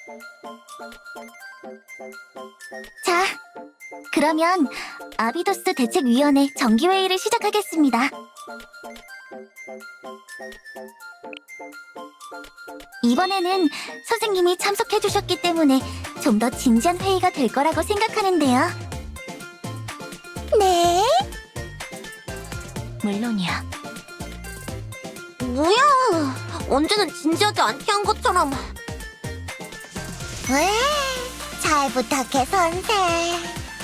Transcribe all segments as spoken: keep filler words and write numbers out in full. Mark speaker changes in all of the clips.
Speaker 1: 자, 그러면 아비도스 대책위원회 정기회의를 시작하겠습니다. 이번에는 선생님이 참석해주셨기 때문에 좀 더 진지한 회의가 될 거라고 생각하는데요. 네? 물론이야.
Speaker 2: 뭐야? 언제는 진지하지 않게 한 것처럼.
Speaker 1: 왜? 잘 부탁해, 선생.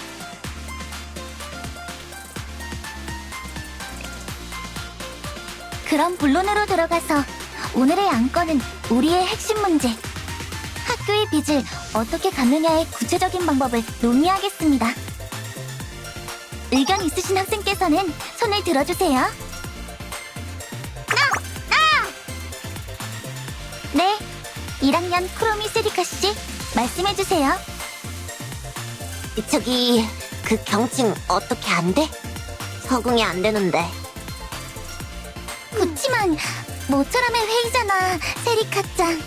Speaker 1: 그럼 본론으로 들어가서 오늘의 안건은 우리의 핵심 문제, 학교의 빚을 어떻게 갚느냐의 구체적인 방법을 논의하겠습니다. 의견 있으신 학생께서는 손을 들어주세요. 네, 일 학년 크로미 세리카 씨, 말씀해주세요.
Speaker 2: 저기, 그 경칭 어떻게 안 돼? 적응이 안 되는데.
Speaker 1: 그치만 모처럼의 회의잖아, 세리카짱.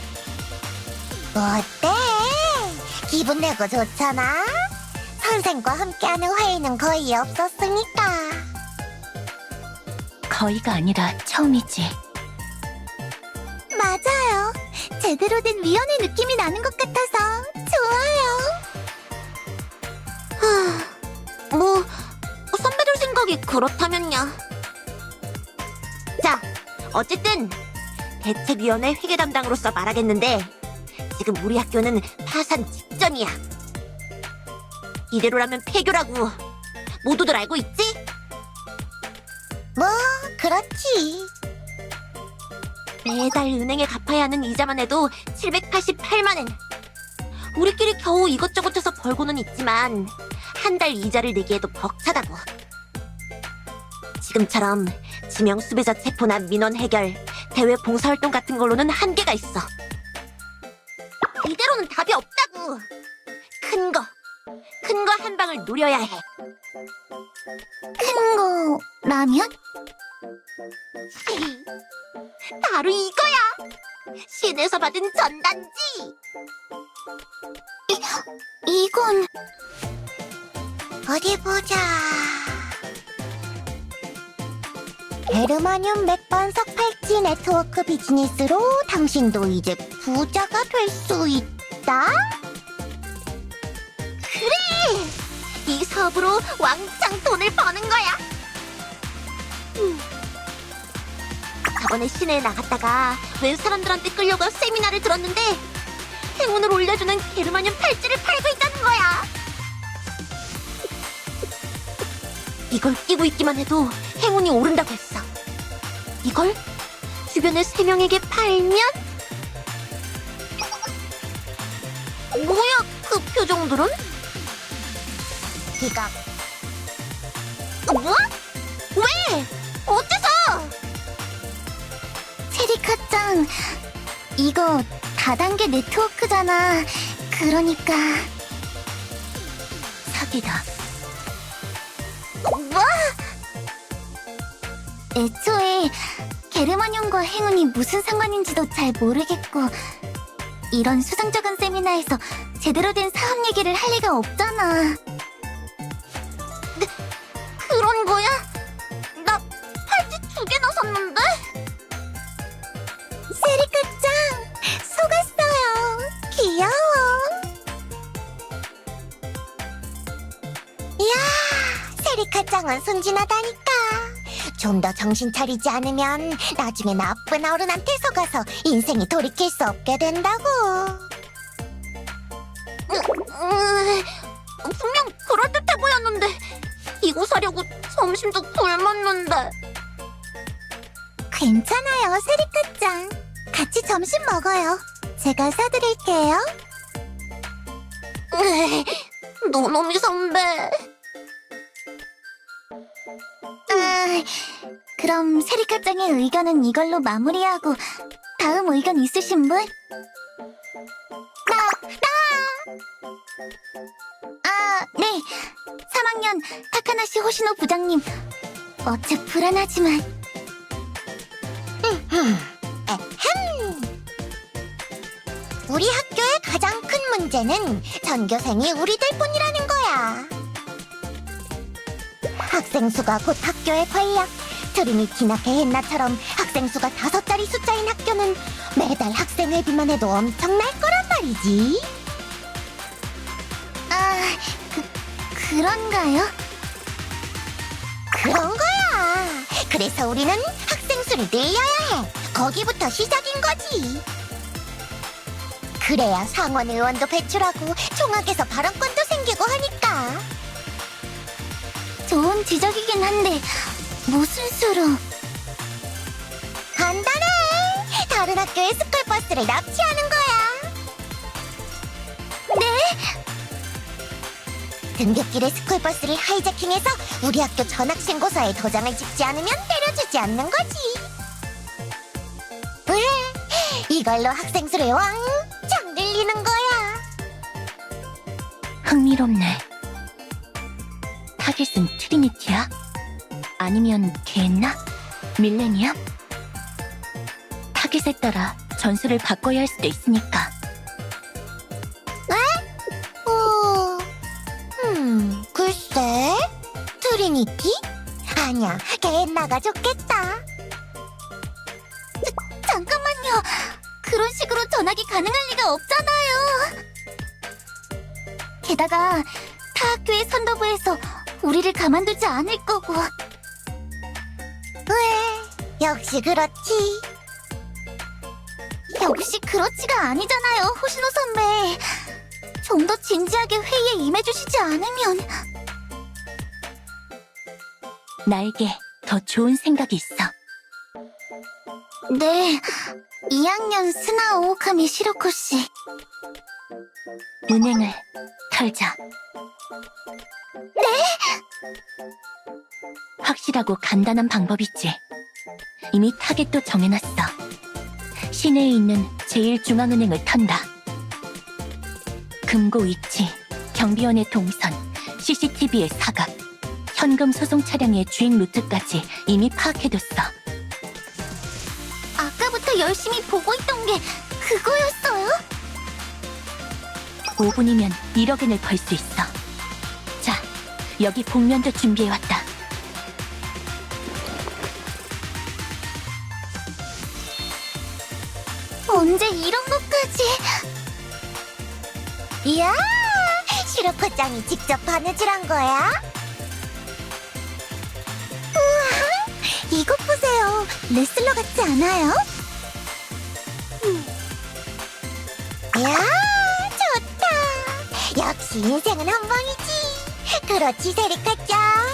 Speaker 1: 어때? 기분 내고 좋잖아? 선생과 함께하는 회의는 거의 없었으니까. 거의가 아니라 처음이지. 맞아요. 제대로 된 위원회 느낌이 나는 것 같아서 좋아요.
Speaker 2: 뭐, 선배들 생각이 그렇다면야. 자, 어쨌든 대책위원회 회계 담당으로서 말하겠는데 지금 우리 학교는 파산 직전이야. 이대로라면 폐교라고 모두들 알고 있지?
Speaker 1: 뭐, 그렇지.
Speaker 2: 매달 은행에 갚아야 하는 이자만 해도 칠백팔십팔만 엔. 우리끼리 겨우 이것저것 해서 벌고는 있지만 한 달 이자를 내기에도 벅차다고. 지금처럼 지명 수배자 체포나 민원 해결, 대외 봉사활동 같은 걸로는 한계가 있어. 이대로는 답이 없다고. 큰 거, 큰 거 한 방을 노려야 해.
Speaker 1: 큰 거라면?
Speaker 2: 바로 이거야. 시내에서 받은 전단지.
Speaker 1: 이건... 어디 보자... 게르마늄 맥반석 팔찌 네트워크 비즈니스로 당신도 이제 부자가 될 수 있다?
Speaker 2: 그래! 이 사업으로 왕창 돈을 버는 거야. 음. 저번에 시내에 나갔다가 웬 사람들한테 끌려가 세미나를 들었는데 행운을 올려주는 게르마늄 팔찌를 팔고 있다는 거야. 이걸 끼고 있기만 해도 행운이 오른다고 했어. 이걸 주변의 세 명에게 팔면? 뭐야, 그 표정들은?
Speaker 1: 이거
Speaker 2: 뭐? 왜? 어째서?
Speaker 1: 세리카짱, 이거 다단계 네트워크잖아. 그러니까... 사기다.
Speaker 2: 뭐?
Speaker 1: 애초에 게르마늄과 행운이 무슨 상관인지도 잘 모르겠고 이런 수상적인 세미나에서 제대로 된 사업 얘기를 할 리가 없잖아.
Speaker 2: 그런 거야? 나 팔찌 두 개나 샀는데?
Speaker 1: 세리카짱, 속았어요. 귀여워. 이야, 세리카짱은 순진하다니까. 좀 더 정신 차리지 않으면 나중에 나쁜 어른한테 속아서 인생이 돌이킬 수 없게 된다고.
Speaker 2: 으, 으, 분명 그럴듯해 보였는데 이거 사려고 점심도 굶었는데.
Speaker 1: 괜찮아요, 세리카짱. 같이 점심 먹어요. 제가 사드릴게요.
Speaker 2: 으, 노노미 선배.
Speaker 1: 아, 그럼 세리카짱의 의견은 이걸로 마무리하고 다음 의견 있으신 분? 나! 나! 아, 네. 삼 학년 타카나시 호시노 부장님. 어째 불안하지만. 우리 학교의 가장 큰 문제는 전교생이 우리들 뿐이라는 거야. 학생 수가 곧 학교의 권력. 트리니티나 게헨나처럼 학생 수가 다섯 자리 숫자인 학교는 매달 학생 회비만 해도 엄청날 거란 말이지. 아, 그, 그런가요? 그런 거야. 그래서 우리는 학생 수를 늘려야 해. 거기부터 시작인 거지. 그래야 상원 의원도 배출하고 총학에서 발언권도 생기고 하니까. 좋은 지적이긴 한데 무슨 수로? 간단해. 다른 학교의 스쿨버스를 납치하는 거야. 네? 등굣길의 스쿨버스를 하이제킹해서 우리 학교 전학신고서에 도장을 찍지 않으면 때려주지 않는 거지. 그래, 이걸로 학생 수를 왕창 늘리는 거야.
Speaker 2: 흥미롭네. 타겟은 트리니티야? 아니면 게헨나? 밀레니엄? 타겟에 따라 전술을 바꿔야 할 수도 있으니까.
Speaker 1: 어, 음, 글쎄, 트리니티? 아니야, 게헨나가 좋겠다. 자, 잠깐만요. 그런 식으로 전학이 가능할 리가 없잖아요. 게다가 타 학교의 선도부에서 우리를 가만두지 않을 거고. 왜? 역시 그렇지. 역시 그렇지가 아니잖아요, 호시노 선배. 좀 더 진지하게 회의에 임해주시지 않으면.
Speaker 2: 나에게 더 좋은 생각이 있어.
Speaker 1: 네, 이 학년 스나 오오카미 시로코 씨.
Speaker 2: 은행을 털자.
Speaker 1: 네?
Speaker 2: 확실하고 간단한 방법이지. 이미 타겟도 정해놨어. 시내에 있는 제일 중앙은행을 턴다. 금고 위치, 경비원의 동선, 씨씨티비의 사각, 현금 소송 차량의 주행 루트까지 이미 파악해뒀어.
Speaker 1: 아까부터 열심히 보고 있던 게 그거였어요?
Speaker 2: 오 분이면 일억 엔을 벌 수 있어. 자, 여기 복면도 준비해왔다.
Speaker 1: 언제 이런 것까지? 이야, 시로코짱이 직접 바느질한 거야? 우와, 이것 보세요. 레슬러 같지 않아요? 음. 이야, 좋다. 역시 인생은 한 방이지. 그렇지, 세리카짱.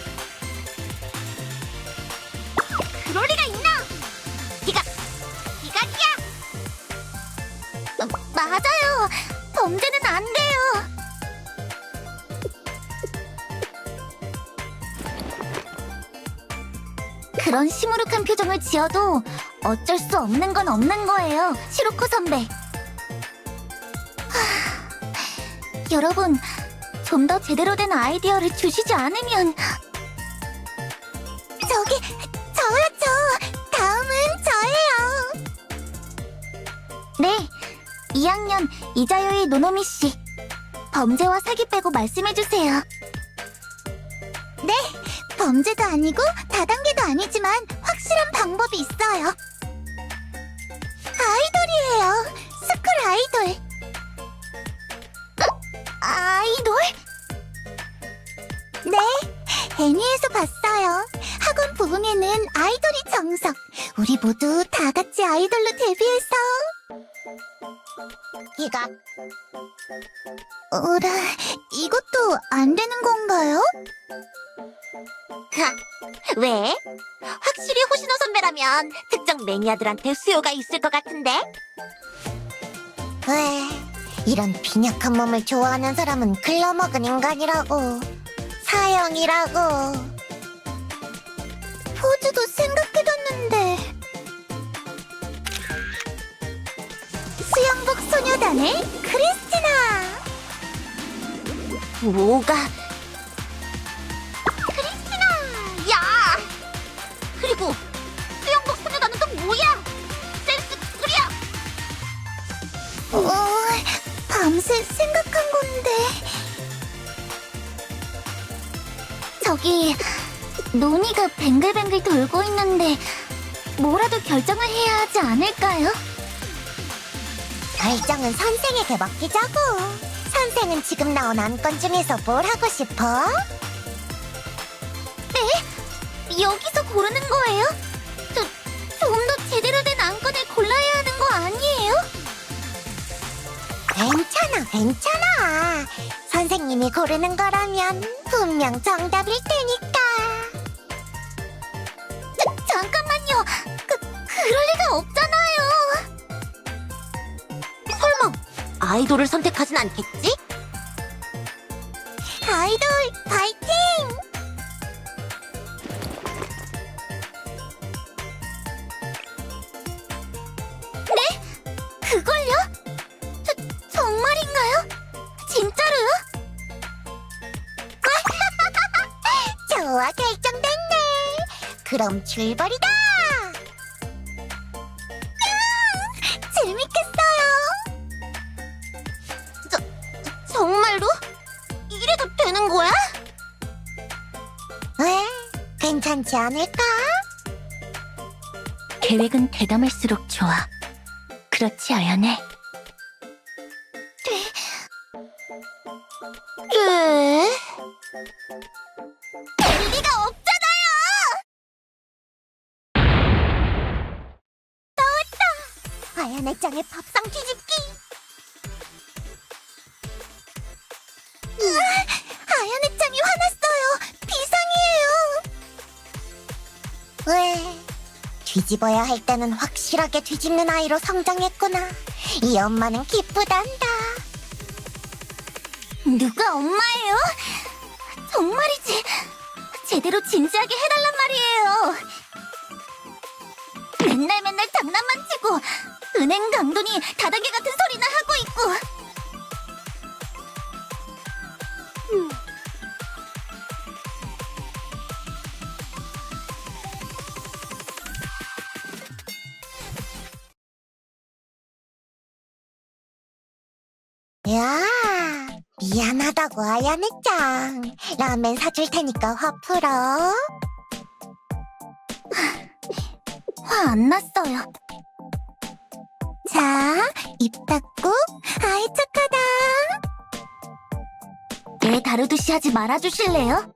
Speaker 1: 그럴 리가 있나? 기각, 기각이야. 어, 맞아요. 범죄는 안 돼요. 그런 시무룩한 표정을 지어도 어쩔 수 없는 건 없는 거예요, 시로코 선배. 하, 여러분, 좀 더 제대로 된 아이디어를 주시지 않으면. 저기, 저요, 저. 다음은 저예요. 네, 이 학년 이자요이 노노미 씨. 범죄와 사기 빼고 말씀해주세요. 네, 범죄도 아니고 다단계도 아니지만 확실한 방법이 있어요. 아이돌이에요. 스쿨 아이돌. 어, 아이돌? 네, 애니에서 봤어요. 학원 부흥에는 아이돌이 정석. 우리 모두 다 같이 아이돌로 데뷔해서. 기각. 어라, 이것도 안 되는 건가요?
Speaker 2: 하, 왜? 확실히 호시노 선배라면 특정 매니아들한테 수요가 있을 것 같은데?
Speaker 1: 왜, 이런 빈약한 몸을 좋아하는 사람은 글러먹은 인간이라고. 사형이라고. 포즈도 생각해뒀는데. 수영복 소녀단의 크리스티나.
Speaker 2: 뭐가? 크리스티나! 야! 그리고 수영복 소녀단은 또 뭐야? 센스 꾸려!
Speaker 1: 어? 밤새 생각한 건데. 저기, 논의가 뱅글뱅글 돌고 있는데 뭐라도 결정을 해야 하지 않을까요?
Speaker 3: 결정은 선생에게 맡기자고. 선생은 지금 나온 안건 중에서 뭘 하고 싶어?
Speaker 1: 여기서 고르는 거예요? 저, 좀 더 제대로 된 안건을 골라야 하는 거 아니에요?
Speaker 3: 괜찮아, 괜찮아. 선생님이 고르는 거라면 분명 정답일 테니까.
Speaker 1: 자, 잠깐만요. 그, 그럴 리가 없잖아요.
Speaker 2: 설마 아이돌을 선택하진 않겠지?
Speaker 3: 아이돌 파이팅!
Speaker 1: 그걸요? 저, 정말인가요? 진짜로요?
Speaker 3: 좋아, 결정됐네. 그럼 출발이다.
Speaker 1: 재밌겠어요.
Speaker 2: 정말로? 이래도 되는 거야?
Speaker 3: 왜? 괜찮지 않을까?
Speaker 1: 계획은 대담할수록 좋아. 그렇지, 아연해?
Speaker 2: 네.
Speaker 1: 될 리가 없잖아요!
Speaker 3: 아연의 짱의 밥상 뒤집기.
Speaker 1: 아연의 짱이 화났어요. 비상이에요.
Speaker 3: 왜? 뒤집어야 할 때는 확실하게 뒤집는 아이로 성장했구나. 이 엄마는 기쁘단다.
Speaker 1: 누가 엄마예요? 정말이지. 제대로 진지하게 해달란 말이에요. 맨날 맨날 장난만 치고 은행 강도니 다단계 같은 소리나 하고 있고.
Speaker 3: 야, 미안하다고 아연의 짱. 라면 사줄 테니까 화 풀어.
Speaker 1: 화 안 났어요. 자, 입 닫고. 아이 착하다. 애 다루듯이 하지 말아주실래요?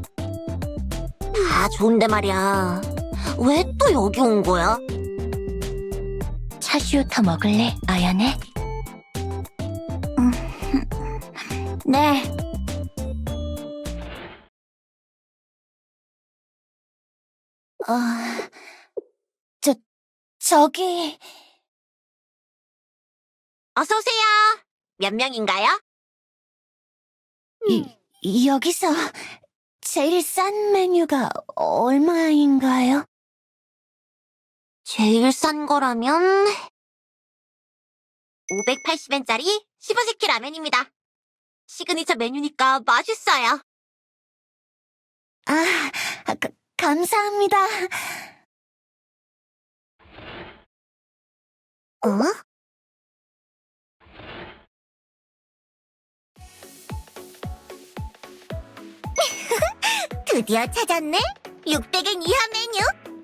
Speaker 2: 다 좋은데 말이야. 왜 또 여기 온 거야?
Speaker 1: 차슈우터 먹을래, 아연해? 네. 어, 저, 저기,
Speaker 2: 어서 오세요. 몇 명인가요?
Speaker 1: 이, 여기서 제일 싼 메뉴가 얼마인가요?
Speaker 2: 제일 싼 거라면 오백팔십 엔짜리 시부시키 라면입니다. 시그니처 메뉴니까 맛있어요.
Speaker 1: 아, 가, 감사합니다.
Speaker 3: 어? 드디어 찾았네? 육백 엔 이하 메뉴?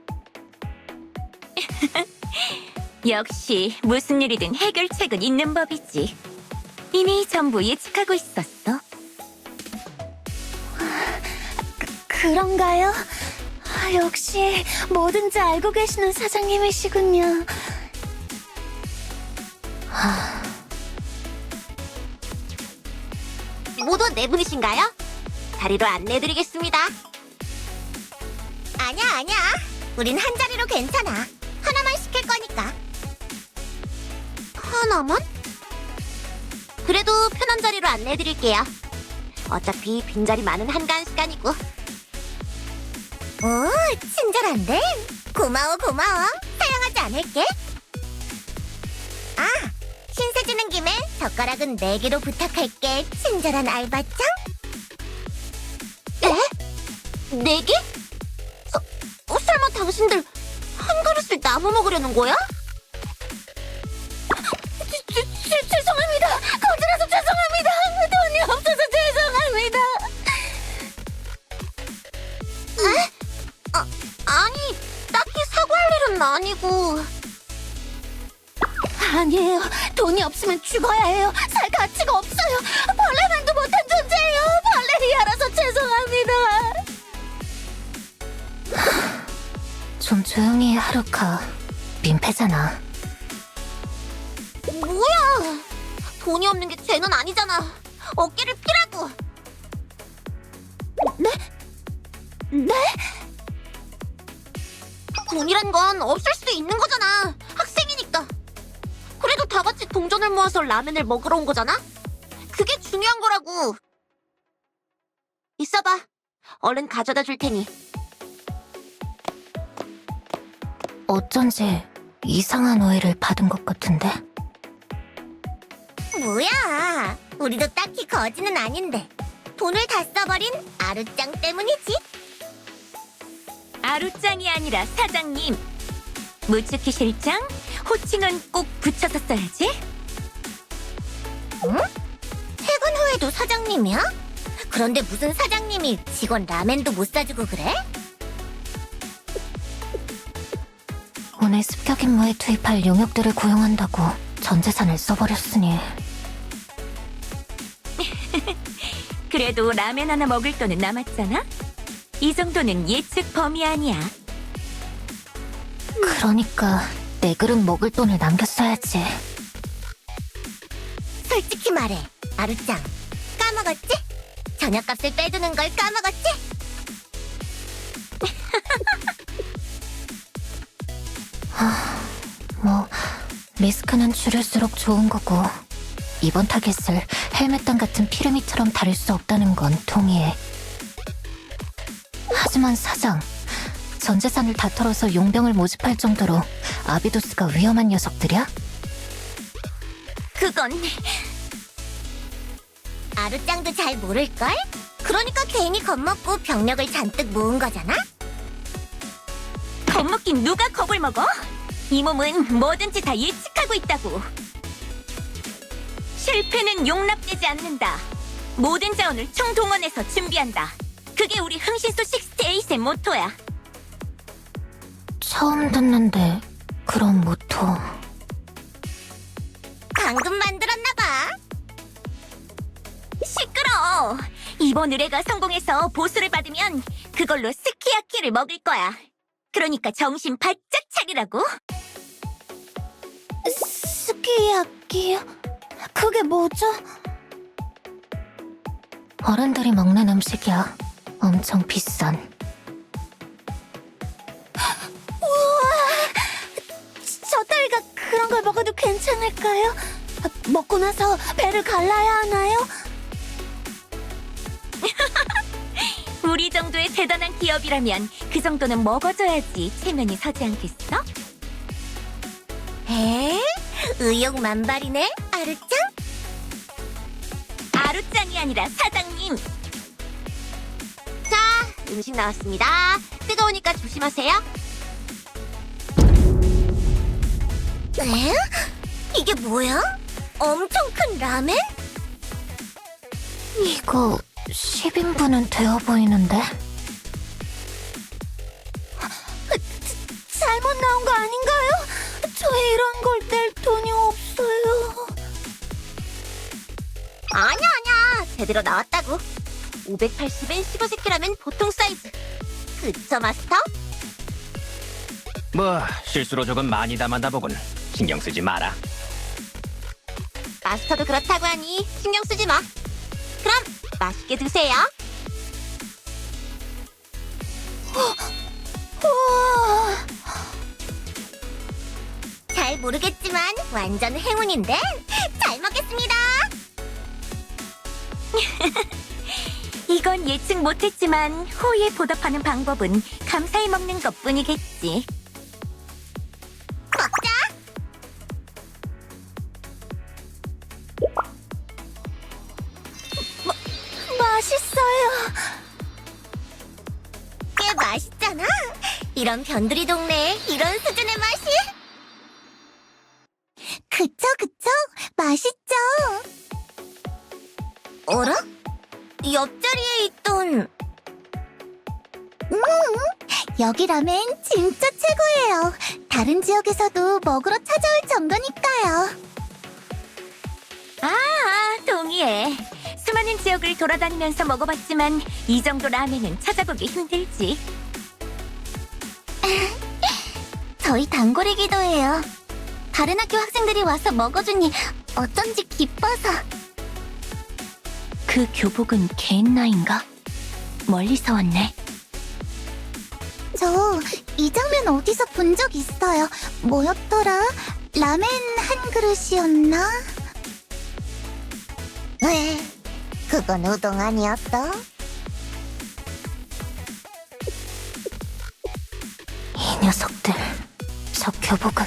Speaker 4: 역시 무슨 일이든 해결책은 있는 법이지. 이미 전부 예측하고 있었어.
Speaker 1: 그런가요? 아, 역시 뭐든지 알고 계시는 사장님이시군요.
Speaker 2: 모두 네 분이신가요? 자리로 안내해드리겠습니다.
Speaker 3: 아냐, 아냐. 우린 한 자리로 괜찮아. 하나만 시킬 거니까.
Speaker 2: 하나만? 그래도 편한 자리로 안내해드릴게요. 어차피 빈자리 많은 한가한 시간이고.
Speaker 3: 오, 친절한데? 고마워, 고마워. 사양하지 않을게. 아, 신세 지는 김에 젓가락은 네 개로 부탁할게. 친절한 알바짱?
Speaker 2: 네 개? 어, 어, 설마 당신들 한 그릇을 나눠 먹으려는 거야?
Speaker 1: 죄, 죄, 죄송합니다. 거절해서 돈이 없으면 죽어야 해요. 살 가치가 없어요. 벌레만도 못한 존재예요. 발레리아라서 죄송합니다. 좀 조용히 해, 하루카. 민폐잖아.
Speaker 2: 뭐야? 돈이 없는 게 죄는 아니잖아. 어깨를 피라고.
Speaker 1: 네? 네?
Speaker 2: 돈이란 건 없을 수도 있는 거잖아. 학생이니까. 그래도 다 같이 동전을 모아서 라면을 먹으러 온 거잖아? 그게 중요한 거라고. 있어봐. 얼른 가져다 줄 테니.
Speaker 1: 어쩐지 이상한 오해를 받은 것 같은데.
Speaker 3: 뭐야? 우리도 딱히 거지는 아닌데 돈을 다 써버린 아루짱 때문이지.
Speaker 4: 아루짱이 아니라 사장님. 무츠키 실장, 호칭은 꼭 붙여서 써야지.
Speaker 3: 퇴근 후에도 사장님이야? 그런데 무슨 사장님이 직원 라멘도 못 사주고 그래?
Speaker 1: 오늘 습격 임무에 투입할 용역들을 고용한다고 전 재산을 써버렸으니.
Speaker 4: 그래도 라면 하나 먹을 돈은 남았잖아? 이 정도는 예측 범위 아니야.
Speaker 1: 그러니까 내 그릇 먹을 돈을 남겼어야지.
Speaker 3: 솔직히 말해, 아루짱. 까먹었지? 저녁값을 빼두는 걸 까먹었지?
Speaker 1: 뭐 리스크는 줄일수록 좋은 거고 이번 타겟을 헬멧단 같은 피르미처럼 다룰 수 없다는 건 동의해. 하지만 사장, 전 재산을 다 털어서 용병을 모집할 정도로 아비도스가 위험한 녀석들이야?
Speaker 4: 그건
Speaker 3: 아루짱도 잘 모를걸? 그러니까 괜히 겁먹고 병력을 잔뜩 모은 거잖아?
Speaker 4: 겁먹긴 누가 겁을 먹어? 이 몸은 뭐든지 다 예측하고 있다고. 실패는 용납되지 않는다. 모든 자원을 총동원해서 준비한다. 그게 우리 흥신소 육십팔의 모토야.
Speaker 1: 처음 듣는데 그런 모토.
Speaker 3: 방금 만들었나봐.
Speaker 4: 시끄러. 이번 의뢰가 성공해서 보수를 받으면 그걸로 스키야키를 먹을 거야. 그러니까 정신 바짝 차리라고.
Speaker 1: 스키야키요? 그게 뭐죠? 어른들이 먹는 음식이야. 엄청 비싼. 우와! 저 따위가 그런 걸 먹어도 괜찮을까요? 먹고 나서 배를 갈라야 하나요?
Speaker 4: 우리 정도의 대단한 기업이라면 그 정도는 먹어줘야지 체면이 서지 않겠어?
Speaker 3: 에? 의욕 만발이네, 아루짱?
Speaker 4: 아루짱이 아니라 사장님.
Speaker 2: 자, 음식 나왔습니다. 뜨거우니까 조심하세요.
Speaker 3: 에? 이게 뭐야? 엄청 큰 라멘?
Speaker 1: 이거 십 인분은 되어 보이는데? 잘못 나온 거 아닌가요? 저희 이런 걸 낼 돈이 없어요.
Speaker 2: 아니야, 아니야. 제대로 나왔다고. 오백팔십엔 십오 세키라면 보통 사이즈. 그쵸, 마스터?
Speaker 5: 뭐 실수로 조금 많이 담았나 보군. 신경 쓰지 마라.
Speaker 2: 마스터도 그렇다고 하니 신경 쓰지 마. 그럼 맛있게 드세요.
Speaker 1: 우와.
Speaker 3: 잘 모르겠지만 완전 행운인데 잘 먹겠습니다.
Speaker 4: 이건 예측 못했지만 호의에 보답하는 방법은 감사히 먹는 것뿐이겠지.
Speaker 3: 먹자.
Speaker 1: 맛있어요.
Speaker 3: 꽤 맛있잖아. 이런 변두리 동네에 이런 수준의 맛이?
Speaker 1: 그쵸, 그쵸. 맛있죠.
Speaker 3: 어라? 옆자리에 있던
Speaker 1: 여기 라멘 진짜 최고예요. 다른 지역에서도 먹으러 찾아올 정도니까요.
Speaker 4: 수많은 지역을 돌아다니면서 먹어봤지만 이 정도 라면은 찾아보기 힘들지.
Speaker 1: 저희 단골이기도 해요. 다른 학교 학생들이 와서 먹어주니 어쩐지 기뻐서.
Speaker 4: 그 교복은 개인나인가? 멀리서 왔네.
Speaker 1: 저 이 장면 어디서 본 적 있어요. 뭐였더라? 라멘 한 그릇이었나?
Speaker 3: 왜? 그건 우동 아니었어?
Speaker 4: 이 녀석들, 저 교복은.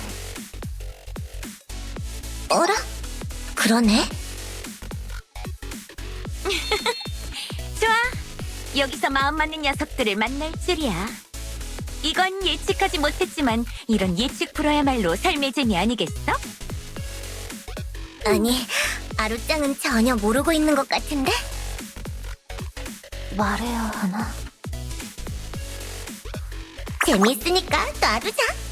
Speaker 3: 어라? 그러네.
Speaker 4: 좋아, 여기서 마음 맞는 녀석들을 만날 줄이야. 이건 예측하지 못했지만 이런 예측 불허야말로 삶의 재미 아니겠어?
Speaker 3: 아니, 아루짱은 전혀 모르고 있는 것 같은데?
Speaker 1: 말해야 하나?
Speaker 3: 재밌으니까 놔두자.